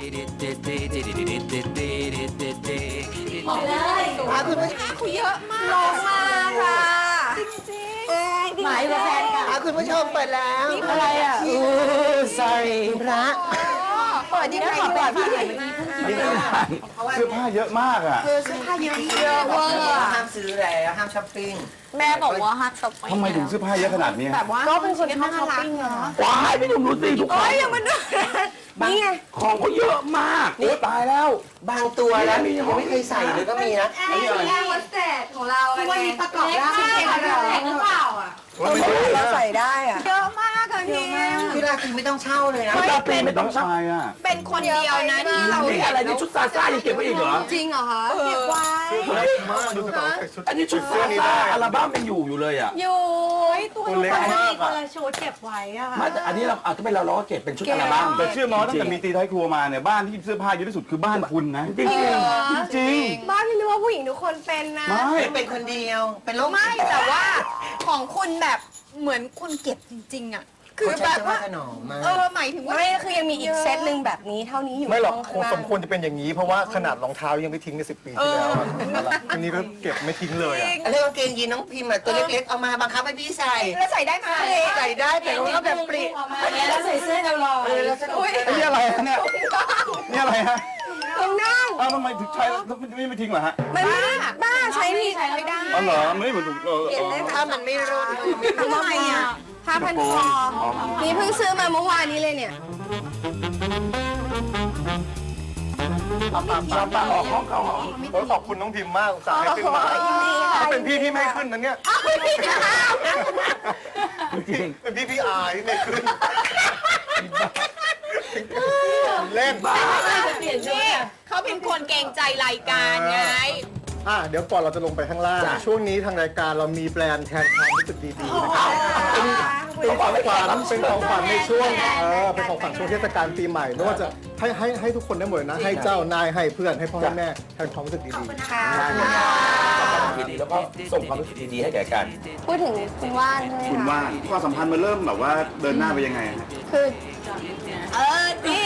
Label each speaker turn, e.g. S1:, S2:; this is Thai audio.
S1: บอกเลยคุณผู้ชมเยอะมากลงมาค่ะจริงๆหมายว่าแฟนกันคุณผู้ชมเปิดแล้วอะไรอ่ะsorry พระเปิดยังไงขอแบบพี่
S2: เสื้อผ้าเยอะมากอ่ะ
S1: เสื้อผ้าเยอะเวอร์ห้ามซื้อแล้วห้ามช้อปปิ้งแม่บอกว่าห้ามช้อปปิ้ง
S2: ทำไมถึงเสื้อผ้าเยอะขนาดนี้
S1: แบบว่าก็เป็นคนชอบช้อปปิ้งเนาะ
S3: ว้ายพี่หนุ่มรู้สิทุกคน
S1: อย่ามาดูนี่ไง
S3: ของเขาเยอะมาก
S2: โอ้ตายแล้ว
S4: บางตัวแล้วยังไม่เคยใส่เลยก็มีนะ
S1: นี่แอร์โฮสเตสของเราวันนี้ประกอบร่างเป็นหรือเปล่าอ่ะเราใส่ได้อ่ะเยอะมากเลย
S4: พี่ราตรีไม่ต้องเช่าเลยนะ
S3: ชุดราตรีไม่ต้องใช้
S2: อ่ะ
S1: เป็นคนเดียวนะที่เรา
S3: อะไรนี่ชุดซาซ่ายังเก็บไว้อีกเหรอ
S1: จริงเหรอคะเก็บไว้
S3: อันนี้ชุดซาซ่าอัลบั้มยังอยู่เลยอ่ะ
S1: อยู่ตัวเล็กมากอ่ะชุดเก็บไว้อ่ะ
S3: อันนี้เราถ้าเป็นเราก็เก็บเป็นชุดอัลบั้ม
S2: แต่เชื่อมั้ยตั้งแต่มีตีท้ายครัวมาเนี่ยบ้านที่เสื้อผ้าเยอะที่สุดคือบ้านคุณนะ
S3: จริง
S2: จริง
S1: บ้านพี่นึกว่าผู้หญิงทุกคนเป็นนะ
S4: ไม่เป็นคนเดียวเป็นโรค
S1: ไม่แต่ว่าของคุณแบบเหมือนคุณเก็บจริงๆอ่ะคือแบบว่าหมายถึงว่าไม่คือยังมีอีกเซตหนึ่งแบบนี้เท่านี้อยู่
S5: ไม่หรอกสมควรจะเป็นอย่างนี้เพราะว่าขนาดรองเท้ายังไม่ทิ้งใน10 ปีที่แล้วอันนี้ก็เก็บไม่ทิ้งเลยอ่ะ
S4: เรื่องกางเกงยีนน้องพิมพ์ตัวเล็กๆเอามาบังคับให้พี่ใส่
S1: แล้วใส่ได้ไหม
S4: ใส่ได้แต่เราก็แบบปริ
S1: แล้วใส่เสื้อเราลอย
S4: แล้วสนุก
S2: นี่อะไรฮะเนี่ยนี่อะไรฮะ
S1: ตรงนั่ง
S2: ทำไมถึงใช้ไม่ทิ้งเหรอฮะ
S1: มันบ้าใช้ไม่ได้
S2: อ๋อเหรอไม่เหมือน
S4: ถ้ามันไม่รู้
S1: ทำไมอ่ะผ้าพันคอนี่เพิ่งซื้อมาเมื่อวานนี้เลยเนี่ย
S3: ป้าออกห้องเขา
S5: ขอบคุณน้องพิมพ์มากสายขึ้นมาถ้าเป็นพี่ไม่ขึ้นนะเนี่ยเป็นพี่อายไม่ขึ้นเล่นบ้า
S1: เขาเป็นคนเกรงใจรายการไง
S5: เดี๋ยวก่อนเราจะลงไปข้างล่างช่วงนี้ทางรายการเรามีแบรนด์แทนความรู้สึกดีๆนะครับเป็นของขวัญในช่วงเป็นของขวัญช่วงเทศกาลปีใหม่ไม่ว่าจะให้ทุกคนได้หมดนะให้เจ้านายให้เพื่อนให้พ่อให้แม่แทนความรู้สึกดี
S3: ๆแล้วก็ส่งความรู้สึกดีๆให้แก่กัน
S1: พูดถึงคุณว่าน
S2: ความสัมพันธ์มันเริ่มแบบว่าเดินหน้าไปยังไง
S1: คือนี่